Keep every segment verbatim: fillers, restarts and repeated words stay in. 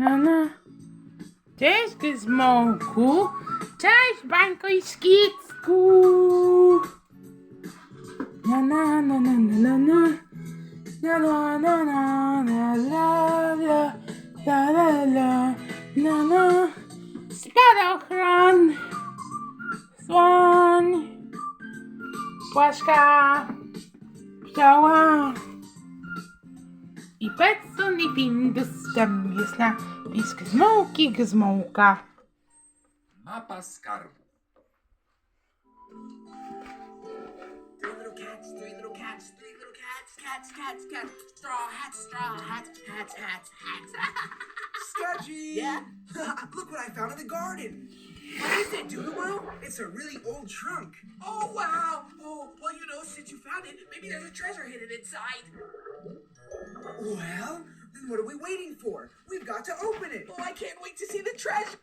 No, no. Cześć, Gizmołku. Cześć, Bańko i Szkicku. Na na na na na na na. Na na na na na la la la la la na na. Spadochron. Słoń. Płaszka. Pszczoła. I Petson i Findus, tam jest na jest Gizmołki, Gizmołka. Mapa skarbu. Three little cats, three little cats, three little cats, cats, cats, cats. Straw hats, straw hats, hats, hats, hats. Sketchy! Yeah? Look what I found in the garden! What is it, Doodle? It's a really old trunk. Oh, wow. Oh, well, you know, since you found it, maybe there's a treasure hidden inside. Well, then what are we waiting for? We've got to open it! Oh, I can't wait to see the treasure.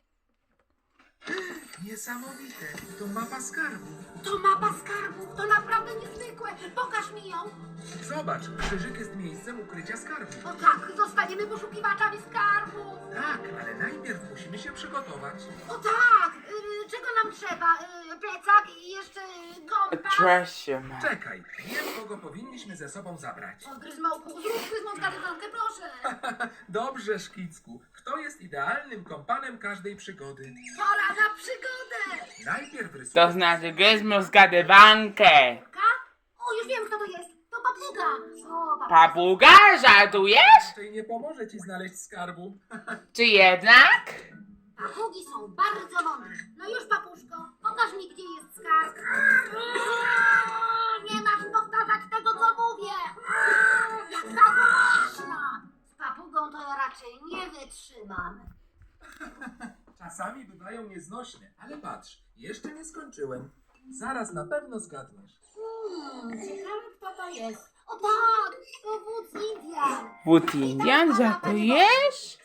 Niesamowite, to mapa skarbu. To mapa skarbów, to naprawdę niezwykłe. Pokaż mi ją. Zobacz, krzyżyk jest miejscem ukrycia skarbu. O tak, zostaniemy poszukiwaczami skarbów. Tak, ale najpierw musimy się przygotować. O tak, y, czego nam trzeba? Y, plecak i jeszcze y, kompas. Treasure map. Czekaj, wiem, kogo powinniśmy ze sobą zabrać. O, Gryzmołku, zrób Gryzmołka dywankę, proszę. Dobrze, Szkicku. Kto jest idealnym kompanem każdej przygody? Pora na przygodę. Najpierw rysuj. To znaczy Gizmo zgadywankę. Ka? O, już wiem, kto to jest. To papuga. O, papuga. Papuga, żartujesz? Raczej nie pomoże ci znaleźć skarbu. Czy jednak? Papugi są bardzo mądre. No już, papuszko, pokaż mi, gdzie jest skarb. Nie masz powtarzać tego, co mówię. Jaka głośna. Z papugą to ja raczej nie wytrzymam. Czasami bywają nieznośne, ale patrz, jeszcze nie skończyłem. Zaraz na pewno zgadniesz. Hmm, ciekawe, kto to jest. O tak, to wódz Indian. Wód Indian, żartujesz?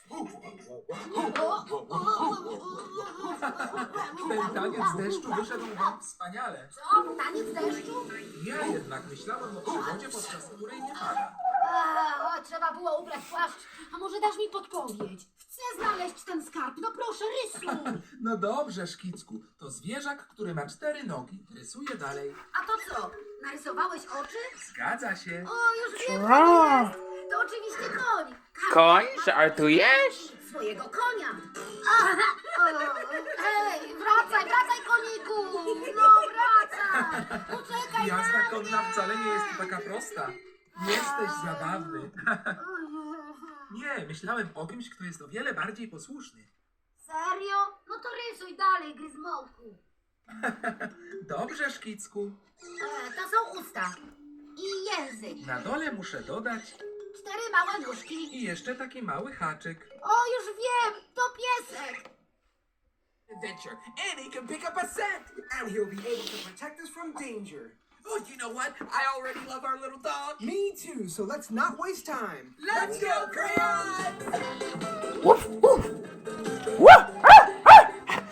Ten taniec deszczu wyszedł wam wspaniale. Co? Taniec deszczu? Ja jednak myślałem o przygodzie, podczas której nie pada. A, o, trzeba było ubrać płaszcz. A może dasz mi podpowiedź? Chcę znaleźć ten skarb. No proszę, rysuj. No dobrze, Szkicku. To zwierzak, który ma cztery nogi. Rysuję dalej. A to co? Narysowałeś oczy? Zgadza się. O, już wiem, co Wow. to jest. To oczywiście koń. Każdy Koń, ma żartujesz? swojego konia. Aha, o, hej, wracaj, wracaj, koniku. No, wracaj. Poczekaj na Jazda mnie. konna wcale nie jest taka prosta. Jesteś zabawny. Nie, myślałem o kimś, kto jest o wiele bardziej posłuszny. Serio? No to rysuj dalej, Gryzmołku. Dobrze, Szkicku. E, to są usta. I język. Na dole muszę dodać Cztery małe nóżki. i jeszcze taki mały haczyk. O, już wiem, to piesek. Adventure, and he can pick up a scent. And he'll be able to protect us from danger. Oh, you know what? I already love our little dog. Me too, so let's not waste time. Let's go, crayons! Woof, woof. Woof, ah, ah.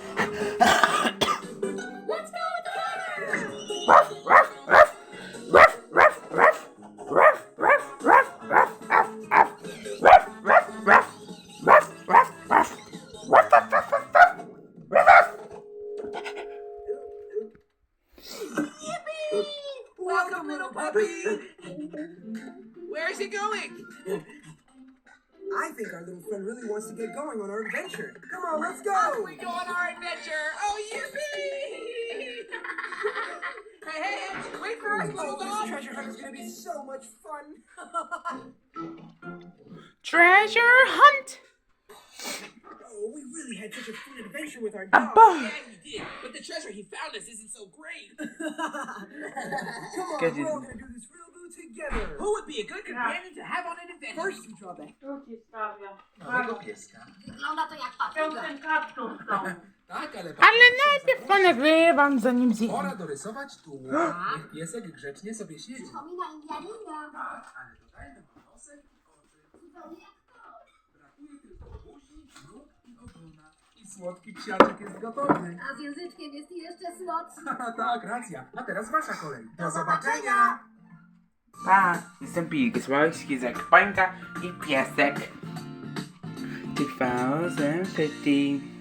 Let's go, Ruff, ruff, ruff. Ruff, ruff, ruff. Ruff, ruff, ruff, ruff, ruff, ruff. Ruff, ruff, ruff. Ruff, ruff, ruff. Ruff, ruff, ruff, ruff, ruff. Ruff. Welcome, little puppy. Where's he going? I think our little friend really wants to get going on our adventure. Come on, let's Off go! we go on our adventure. Oh, yippee! Hey, hey, hey, wait for us, little Oh, this dog. treasure hunt is gonna be so much fun. Treasure hunt. Oh, we really had such a fun adventure with our A dog. bug. Yeah, we did. But the treasure he found us isn't so great. Come on, Sketchy. we're all gonna do this real boo together. Who would be a good companion to have on an adventure? First, you draw the Tu ci stawiam. Małego pieska. Wygląda to jak papuga. Ten kaptur w domu. Tak, ale... Ale najpierw ponagrywam, zanim zjem. Pora dorysować tułów. Niech piesek grzecznie sobie siedzi. Przypomina Indianina. Tak, ale dodajmy mu nosek i oczy. Zupełnie jak to. Brakuje tylko buzi, nóg i ogona. I słodki psiaczek jest gotowy. A z języczkiem jest jeszcze słodszy. Haha, tak, racja. A teraz wasza kolej. Do zobaczenia. Pa, jestem Pig, Słowski, Pańka i piesek. two thousand fifty.